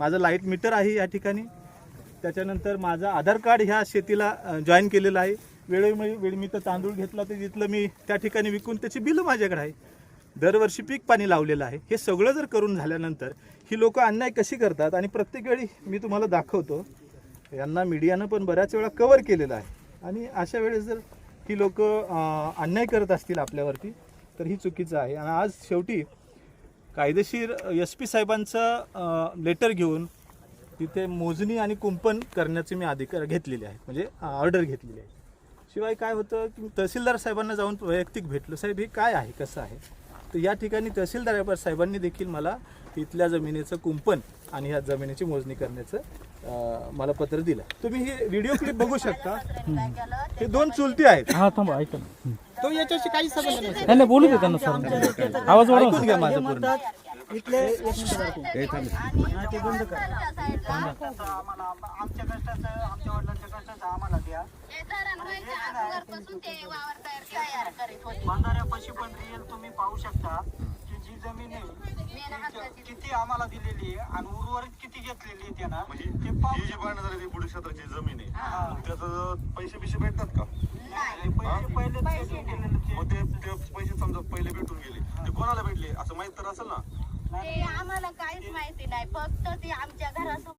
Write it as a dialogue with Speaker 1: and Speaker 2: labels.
Speaker 1: माझं light meter आहे या ठिकाणी, त्याच्यानंतर माझं आधार कार्ड ह्या शेतीला जॉईन केलेलं आहे. वेळोवेळी मी तर तांदूळ घेतला तर तिथलं मी त्या ठिकाणी विकून त्याची बिलं माझ्याकडे आहे. दरवर्षी पीक पाणी लावलेलं आहे. हे सगळं जर करून झाल्यानंतर ही लोक अन्याय कशी करतात आणि प्रत्येक वेळी मी तुम्हाला दाखवतो, यांना मीडियानं पण बऱ्याच वेळा कव्हर केलेलं आहे. आणि अशा वेळेस जर ही लोक अन्याय करत असतील आपल्यावरती तर ही चुकीचं आहे. आणि आज शेवटी कायदेशीर SP साहेबांचं लेटर घेऊन तिथे मोजणी आणि कुंपण करण्याचे मी अधिकार घेतलेले आहेत, म्हणजे ऑर्डर घेतलेली आहे. शिवाय काय होतं की तहसीलदार साहेबांना जाऊन वैयक्तिक भेटलो, साहेब हे काय आहे कसं आहे. तर या ठिकाणी तहसीलदार साहेबांनी देखील मला इथल्या जमिनीचं कुंपण आणि ह्या जमिनीची मोजणी करण्याचं मला पत्र दिलं. तुम्ही हे व्हिडिओ क्लिप बघू शकता. हे 2 चुलती आहेत.
Speaker 2: हा थांबा ऐका ना.
Speaker 3: तो याच्याशी काही संबंध नाही.
Speaker 2: नाही नाही, बोलू दे त्यांना सर. आवाज वाढवा.
Speaker 1: ऐकून घ्या माझं पूर्ण.
Speaker 3: इथले एक मिनिट दाखवू. हा, ते बंद कर. आमच्या कष्टाचं, आमच्या वडिलांच्या कष्टाचं आम्हाला द्या. बांधाऱ्यापाशी पण रिअल तुम्ही पाहू शकता की जी जमीन आहे किती आम्हाला दिलेली आहे आणि उर्वरित किती घेतलेली आहे त्यांना.
Speaker 4: म्हणजे ही जी बांधण्यात आलेली पुढे क्षेत्राची जमीन आहे त्याचं पैसे भेटतात का?
Speaker 3: पैसे पहिले
Speaker 4: मग ते पैसे समजा पहिले भेटून गेले ते कोणाला भेटले असं माहित तर असेल ना.
Speaker 5: ते आम्हाला काहीच माहिती नाही, फक्त ते आमच्या घरासमोर